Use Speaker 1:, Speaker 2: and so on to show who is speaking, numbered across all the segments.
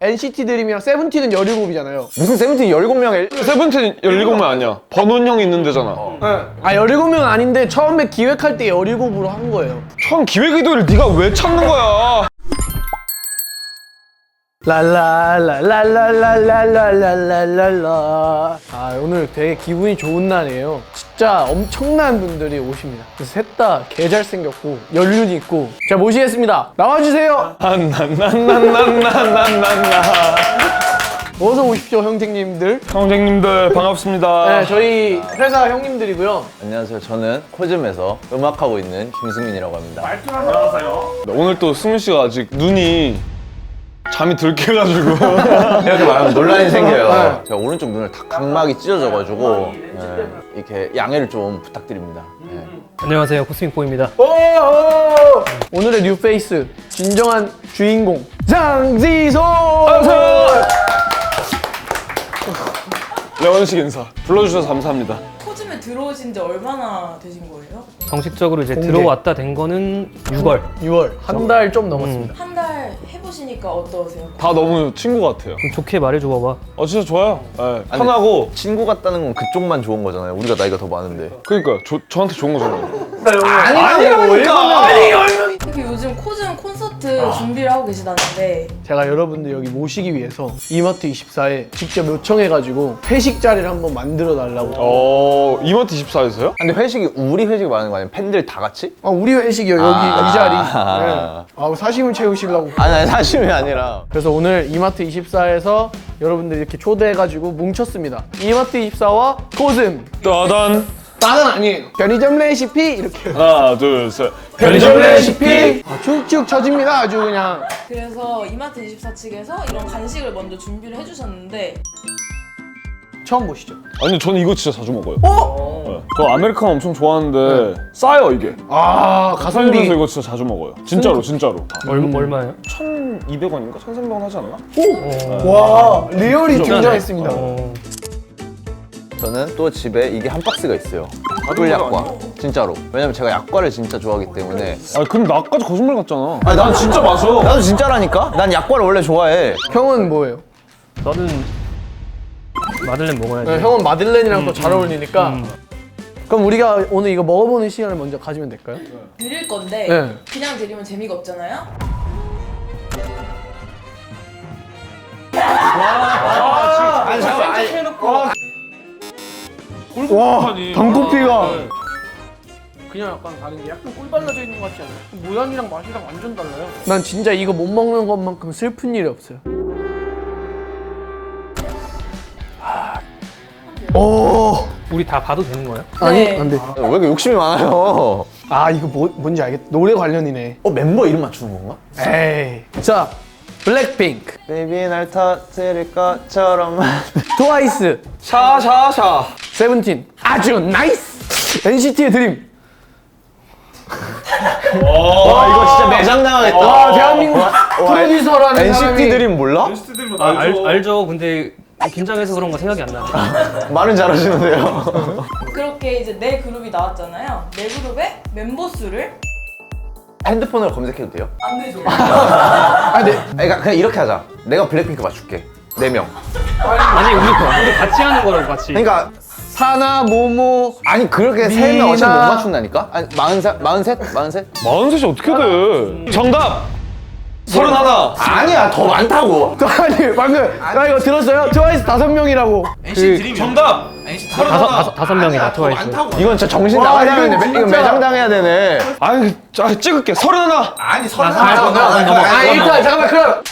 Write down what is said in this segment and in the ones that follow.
Speaker 1: NCT 드림이랑 세븐틴은 17이잖아요.
Speaker 2: 무슨 세븐틴 17명
Speaker 3: 세븐틴 17명 아니야. 번원 형이 있는 데잖아.
Speaker 1: 아 17명은 아닌데 처음에 기획할 때 17으로 한 거예요.
Speaker 3: 처음 기획 의도를 네가 왜 찾는 거야?
Speaker 1: 랄랄랄랄랄랄랄랄랄랄라. 아 오늘 되게 기분이 좋은 날이에요. 진짜 엄청난 분들이 오십니다. 그래서 셋 다 개 잘생겼고 연륜이 있고. 자 모시겠습니다. 나와주세요.
Speaker 3: 난난난난난난난나.
Speaker 1: 어서 오십시오 형제님들.
Speaker 3: 형제님들 반갑습니다.
Speaker 1: 네 저희 회사 형님들이고요.
Speaker 2: 안녕하세요. 저는 코즘에서 음악하고 있는 김승민이라고 합니다.
Speaker 3: 오늘 또 승민 씨가 아직 눈이 잠이 덜 깨가지고
Speaker 2: 이렇게 말하면 논란이 생겨요. 제가 오른쪽 눈을 다 각막이 찢어져가지고 이렇게 양해를 좀 부탁드립니다.
Speaker 4: 안녕하세요, 코스믹보입니다.
Speaker 1: 오늘의 뉴페이스 진정한 주인공 장지소.
Speaker 3: 레원식 인사 불러주셔서 감사합니다.
Speaker 5: 코즘에 들어오신 지 얼마나 되신 거예요?
Speaker 4: 정식적으로 이제
Speaker 1: 공개.
Speaker 4: 들어왔다 된 거는 6월.
Speaker 1: 6월 한 달 좀 넘었습니다.
Speaker 5: 한 달 해보시니까 어떠세요?
Speaker 3: 다 너무 친구 같아요.
Speaker 4: 좋게 말해줘 봐봐.
Speaker 3: 진짜 좋아요. 네, 편하고.
Speaker 2: 친구 같다는 건 그쪽만 좋은 거잖아요. 우리가 나이가 더 많은데.
Speaker 3: 그러니까 저한테 좋은 거잖아요.
Speaker 5: 특히 요즘 코즘 콘서트 준비를 하고 계시다는데
Speaker 1: 제가 여러분들 여기 모시기 위해서 이마트 24에 직접 요청해가지고 회식 자리를 한번 만들어 달라고.
Speaker 3: 이마트 24에서요?
Speaker 2: 근데 회식이 우리 회식이 많은 거 아니에요? 팬들 다 같이?
Speaker 1: 우리 회식이요 여기 이 자리. 네. 사심을 채우시려고.
Speaker 2: 아니 사심이 아니라
Speaker 1: 그래서 오늘 이마트 24에서 여러분들 이렇게 초대해가지고 뭉쳤습니다. 이마트 24와 코즘.
Speaker 3: 따단.
Speaker 1: 나는 아니에요. 편의점 레시피 이렇게.
Speaker 3: 하나 둘 셋.
Speaker 1: 편의점 레시피. 쭉쭉 쳐집니다 아주 그냥.
Speaker 5: 그래서 이마트 24 측에서 이런 간식을 먼저 준비를 해주셨는데
Speaker 1: 처음 보시죠.
Speaker 3: 아니 저는 이거 진짜 자주 먹어요. 네. 저 아메리카노 엄청 좋아하는데 싸요 이게.
Speaker 1: 가성비.
Speaker 3: 그래서 이거 진짜 자주 먹어요. 진짜로 진짜로.
Speaker 4: 얼마예요?
Speaker 3: 1,200원인가? 1,300원 하지 않나?
Speaker 1: 와 리얼이 등장했습니다.
Speaker 2: 저는 또 집에 이게 한 박스가 있어요. 꿀약과. 진짜로. 왜냐면 제가 약과를 진짜 좋아하기 때문에.
Speaker 3: 그럼 나까지 거짓말 같잖아.
Speaker 2: 아니 난 진짜 마셔. 나도 진짜라니까? 난 약과를 원래 좋아해.
Speaker 1: 형은 뭐예요?
Speaker 4: 나는 마들렌 먹어야지.
Speaker 1: 네, 형은 마들렌이랑 또 잘 어울리니까. 그럼 우리가 오늘 이거 먹어보는 시간을 먼저 가지면 될까요?
Speaker 5: 드릴 건데
Speaker 1: 네.
Speaker 5: 그냥 드리면 재미가 없잖아요?
Speaker 1: 와 단코피가 그냥 약간 다른 게 약간 꿀 발라져 있는 것 같지 않아요? 모양이랑 맛이랑 완전 달라요. 난 진짜 이거 못 먹는 것만큼 슬픈 일이 없어요. 오
Speaker 4: 우리 다 봐도 되는 거야?
Speaker 1: 아니
Speaker 5: 네.
Speaker 1: 안 돼.
Speaker 2: 왜 이렇게 욕심이 많아요?
Speaker 1: 이거 뭔지 알겠다. 노래 관련이네.
Speaker 2: 멤버 이름 맞추는 건가?
Speaker 1: 에이. 자 블랙핑크,
Speaker 2: 베이비 날 터뜨릴 것처럼.
Speaker 1: 트와이스,
Speaker 3: 샤샤샤.
Speaker 1: 세븐틴 아주 나이스. NCT의 드림.
Speaker 2: 와 이거 진짜 매장당하겠다.
Speaker 1: 대한민국 프로듀서라는
Speaker 2: NCT
Speaker 1: 사람이
Speaker 2: 드림 몰라?
Speaker 4: 알죠. 근데 긴장해서 그런 거 생각이 안 나.
Speaker 2: 말은 잘하시는데요.
Speaker 5: 그렇게 이제 네 그룹이 나왔잖아요. 네 그룹의 멤버 수를
Speaker 2: 핸드폰으로 검색해도 돼요?
Speaker 5: 안 되죠.
Speaker 2: 그러니까 그냥 이렇게 하자. 내가 블랙핑크 맞출게. 4명.
Speaker 4: 아니 우리 같이 하는 거라고 같이.
Speaker 2: 그러니까
Speaker 1: 사나 모모.
Speaker 2: 아니 그렇게 3명 어차피 못 맞춘다니까? 아니 43?
Speaker 3: 43이 어떻게 돼? 정답! 31!
Speaker 2: 아니야 더 많다고.
Speaker 1: 아니 방금 나 이거 들었어요? 트와이스 5명이라고.
Speaker 3: 정답!
Speaker 4: 다섯 명이다 트와이스.
Speaker 2: 이건 진짜 정신 나가야 되네.
Speaker 1: 이건
Speaker 2: 이거
Speaker 1: 진짜-
Speaker 2: 매장당해야 되네.
Speaker 3: 찍을게. 31!
Speaker 2: 아니
Speaker 1: 일단 잠깐만 그럼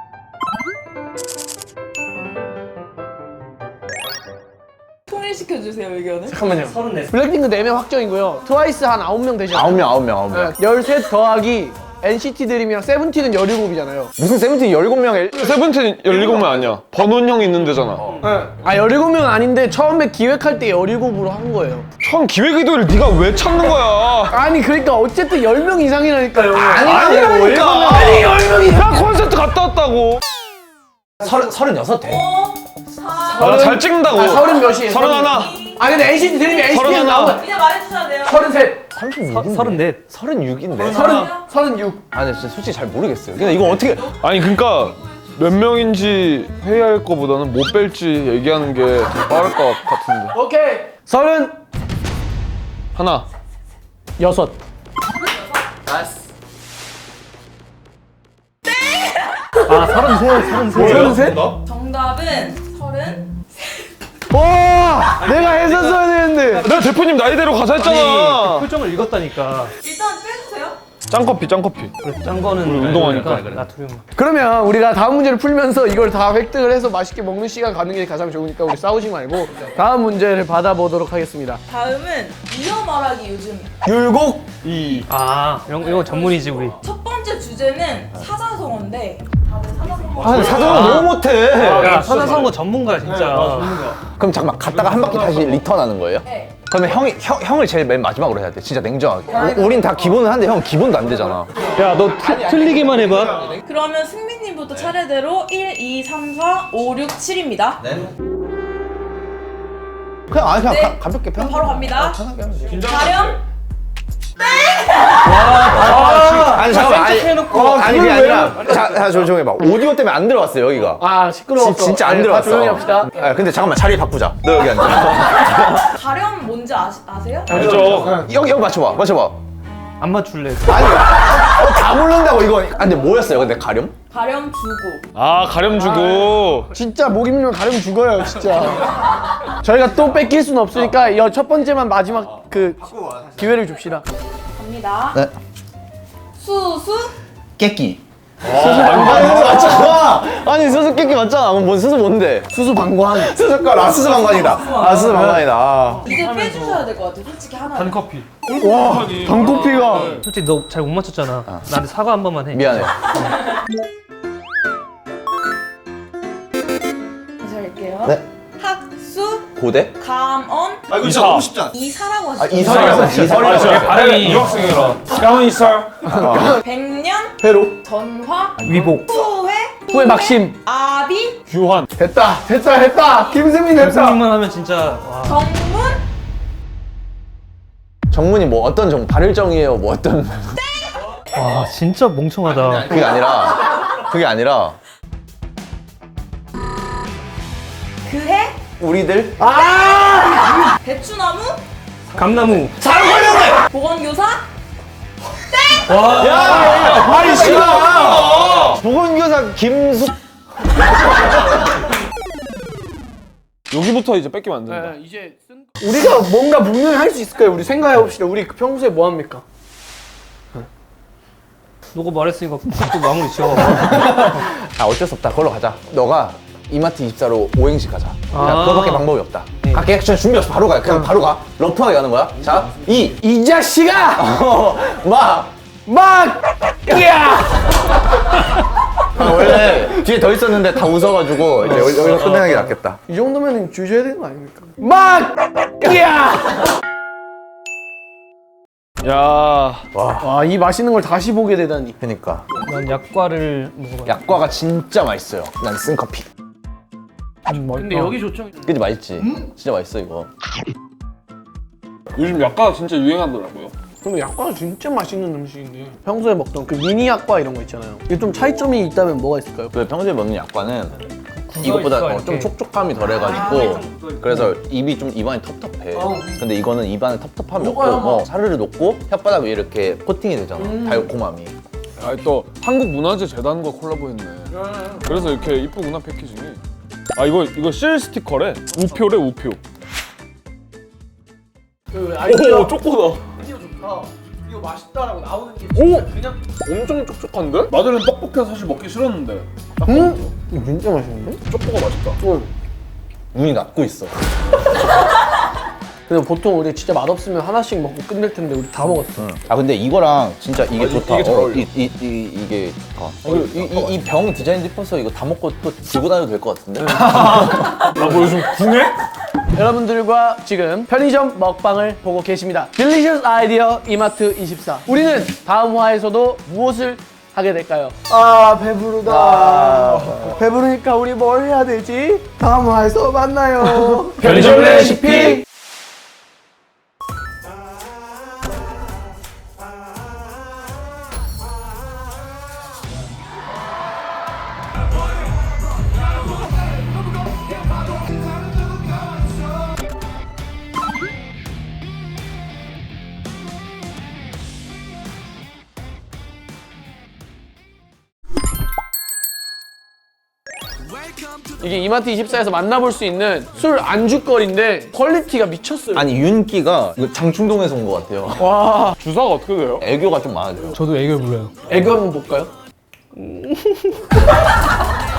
Speaker 5: 통일시켜주세요 의견을.
Speaker 1: 잠깐만요.
Speaker 4: 34.
Speaker 1: 블랙핑크 4명 확정이고요. 트와이스 한 9명 되잖아요.
Speaker 2: 9명.
Speaker 1: 13 더하기 NCT 드림이랑 세븐틴은 17이잖아요.
Speaker 2: 무슨 세븐틴 17명
Speaker 3: 세븐틴 17명 아니야. 번원 형이 있는 데잖아.
Speaker 1: 17명은 아닌데 처음에 기획할 때 17으로 한 거예요.
Speaker 3: 처음 기획 의도를 네가 왜 찾는 거야?
Speaker 1: 아니 그러니까 어쨌든 10명 이상이라니까요.
Speaker 3: 아니라니까.
Speaker 1: 아니 10명이.
Speaker 3: 나 콘서트 갔다 왔다고.
Speaker 2: 36 돼?
Speaker 3: 나 잘 찍는다고.
Speaker 1: 30 몇이에요?
Speaker 3: 31.
Speaker 1: 근데 NCT 드림이 NCT가
Speaker 3: 31.
Speaker 1: 나오면
Speaker 5: 이제 말해주셔야 돼요.
Speaker 1: 33,
Speaker 2: 34. 36인데?
Speaker 1: 36.
Speaker 2: 아니 진짜 솔직히 잘 모르겠어요. 근데 이거 어떻게
Speaker 3: 아니 그러니까 몇 명인지 회의할 거보다는 못 뺄지 얘기하는 게 더 빠를 것 같은데.
Speaker 1: 오케이. 36.
Speaker 3: 하나.
Speaker 4: 아 33.
Speaker 5: 정답은 30.
Speaker 1: 와, 내가 했었어야 되는데.
Speaker 3: 내가 대표님 나이대로 가자 했잖아.
Speaker 4: 표정을 읽었다니까.
Speaker 5: 일단 빼주세요.
Speaker 3: 짱커피 짱커피.
Speaker 4: 그래, 짠 거는
Speaker 3: 운동하니까.
Speaker 4: 나트륨.
Speaker 1: 그러면 우리가 다음 문제를 풀면서 이걸 다 획득을 해서 맛있게 먹는 시간 가는 게 가장 좋으니까 우리 싸우지 말고 다음 문제를 받아보도록 하겠습니다.
Speaker 5: 다음은 이어 말하기 요즘.
Speaker 2: 율곡.
Speaker 4: 아 이거 전문이지 우리.
Speaker 5: 첫 번째 주제는 사자성어인데 다들 사자성어.
Speaker 2: 아, 사전을 너무 못해.
Speaker 4: 야 사자성어 전문가야 진짜.
Speaker 2: 그럼 잠깐만 갔다가 한 바퀴 다시 리턴하는 거예요?
Speaker 5: 네.
Speaker 2: 그러면 형을 제일 맨 마지막으로 해야 돼. 진짜 냉정하게. 우린 다 기본은 한데 형 기본도 안 되잖아.
Speaker 4: 야너 틀리기만 해봐.
Speaker 5: 그러면 승민님부터 차례대로 1, 2, 3, 4, 5, 6, 7입니다.
Speaker 2: 그냥
Speaker 5: 네.
Speaker 2: 가볍게
Speaker 5: 그럼
Speaker 2: 편.
Speaker 5: 바로 갑니다. 가령.
Speaker 2: 아니 잠깐만. 아니 그게 아니라. 자 조용히 해봐. 오디오 때문에 안 들어왔어요 여기가.
Speaker 1: 아, 시끄러워.
Speaker 2: 진짜 안
Speaker 1: 다
Speaker 2: 들어왔어.
Speaker 1: 조용히 합시다.
Speaker 2: 아, 근데 잠깐만 자리 바꾸자. 너 여기 앉아.
Speaker 5: 가령 뭔지 아세요?
Speaker 3: 알죠.
Speaker 2: 여기 맞춰봐.
Speaker 4: 안 맞출래.
Speaker 2: 아니 다 모른다고 이거. 아 근데 뭐였어요 근데 가렴?
Speaker 5: 가령 주고.
Speaker 3: 아 가렴 주고.
Speaker 1: 진짜 목 입으면 가려면 죽어요, 진짜. 저희가 또 뺏길 수는 없으니까 이 첫 번째만 마지막 그 기회를 줍시다.
Speaker 5: 갑니다.
Speaker 2: 네.
Speaker 5: 수수.
Speaker 2: 깨끼. 맞잖아. 아니 수수께끼 맞잖아. 뭔 수수 뭔데?
Speaker 1: 수수방관.
Speaker 2: 수수과 수수방관이다. 수수방관이다.
Speaker 5: 이제 빼주셔야 될 것 같아요. 솔직히 하나.
Speaker 3: 단커피.
Speaker 1: 와, 단코피가.
Speaker 4: 솔직히 너 잘 못 맞췄잖아. 나한테 사과 한 번만 해.
Speaker 2: 미안해.
Speaker 5: 다시 할게요.
Speaker 2: 네.
Speaker 5: 학수.
Speaker 2: 고대?
Speaker 5: 감언.
Speaker 3: 아 이거 진짜 너무 쉽지 않아.
Speaker 5: 이사라고 하시죠.
Speaker 2: 이설이었어.
Speaker 3: 발음이 유학생이라. 가만 있어.
Speaker 5: 백년.
Speaker 1: 회로.
Speaker 5: 전화.
Speaker 4: 위복.
Speaker 5: 후회.
Speaker 1: 후회 막심.
Speaker 5: 아비.
Speaker 3: 규환.
Speaker 1: 됐다. 김승민 됐다.
Speaker 4: 선생님만 하면 진짜 와.
Speaker 5: 정문.
Speaker 2: 정문이 뭐 어떤 정? 발일정이에요? 뭐 어떤?
Speaker 4: 와 진짜 멍청하다.
Speaker 2: 그게 아니라
Speaker 5: 그해.
Speaker 2: 우리들
Speaker 5: 대추나무.
Speaker 4: 감나무.
Speaker 5: 보건교사.
Speaker 2: 아니 싫어. 보건교사 김숙.
Speaker 3: 여기부터 이제 뺏기면 안 된다.
Speaker 1: 이제 우리가 뭔가 분명히 할 수 있을까요? 우리 생각해 봅시다. 우리 평소에 뭐 합니까?
Speaker 4: 너가 말했으니까 또 마무리 지어.
Speaker 2: 아 어쩔 수 없다. 그걸로 가자. 너가 이마트 24로 오행시 가자. 야, 그거밖에 방법이 없다. 갈게. 그냥 준비 없이 바로 가. 그냥 바로 가. 러프하게 가는 거야. 자,
Speaker 1: 이 자식아! 야!
Speaker 2: 원래 뒤에 더 있었는데 다 웃어가지고 이제 여기서 끝내는 게 낫겠다.
Speaker 1: 이 정도면 주셔야 되는 거 아닙니까? 야!
Speaker 3: 야.
Speaker 1: 와, 이 맛있는 걸 다시 보게 되다니.
Speaker 2: 그니까
Speaker 4: 난 약과를 먹어봐.
Speaker 2: 약과가 진짜 맛있어요. 난 쓴 커피.
Speaker 1: 근데 여기 좋죠.
Speaker 2: 그지 맛있지? 진짜 맛있어 이거.
Speaker 3: 요즘 약과가 진짜 유행하더라고요.
Speaker 1: 근데 약과가 진짜 맛있는 음식인데 평소에 먹던 그 미니 약과 이런 거 있잖아요. 이게 좀 차이점이 있다면 뭐가 있을까요?
Speaker 2: 그 평소에 먹는 약과는 이것보다
Speaker 4: 있어,
Speaker 2: 좀
Speaker 4: 이렇게.
Speaker 2: 촉촉함이 덜해가지고 그래서 입이 좀 입안이 텁텁해. 근데 이거는 입안에 텁텁함이 없고 사르르 녹고 혓바닥 위에 이렇게 코팅이 되잖아. 달콤함이.
Speaker 3: 아니 또 한국문화재재단과 콜라보했네. 그래서 이렇게 이쁘구나 패키징이. 아 이거 실 스티커래. 우표래 우표. 오 쪼꼬다.
Speaker 1: 아이디어 좋다. 이거 맛있다라고 나오는 게
Speaker 3: 오!
Speaker 1: 그냥
Speaker 3: 엄청 촉촉한데? 마들은 뻑뻑해서 사실 먹기 싫었는데.
Speaker 1: 이거 진짜 맛있는데?
Speaker 3: 쪼꼬가 맛있다.
Speaker 2: 눈이 낮고 있어.
Speaker 1: 근데 보통 우리 진짜 맛없으면 하나씩 먹고 끝낼 텐데 우리 다 먹었어.
Speaker 2: 아 근데 이거랑 진짜 이게 좋다.
Speaker 3: 이게 잘 어울려.
Speaker 2: 이게 좋다. 이 병 디자인 예뻐서 이거 다 먹고 또 들고 다녀도 될 것 같은데?
Speaker 3: 뭐 요즘 궁해?
Speaker 1: 여러분들과 지금 편의점 먹방을 보고 계십니다. 딜리셔스 아이디어 이마트 24. 우리는 다음 화에서도 무엇을 하게 될까요? 아, 배부르다. 배부르니까 우리 뭘 해야 되지? 다음 화에서 만나요.
Speaker 3: 편의점 레시피!
Speaker 1: 이게 이마트 24에서 만나볼 수 있는 술 안주거리인데 퀄리티가 미쳤어요.
Speaker 2: 아니 윤기가 이거 장충동에서 온 것 같아요.
Speaker 1: 와,
Speaker 3: 주사가 어떻게 돼요?
Speaker 2: 애교가 좀 많아져요.
Speaker 6: 저도 애교 불러요.
Speaker 1: 애교 한번 볼까요?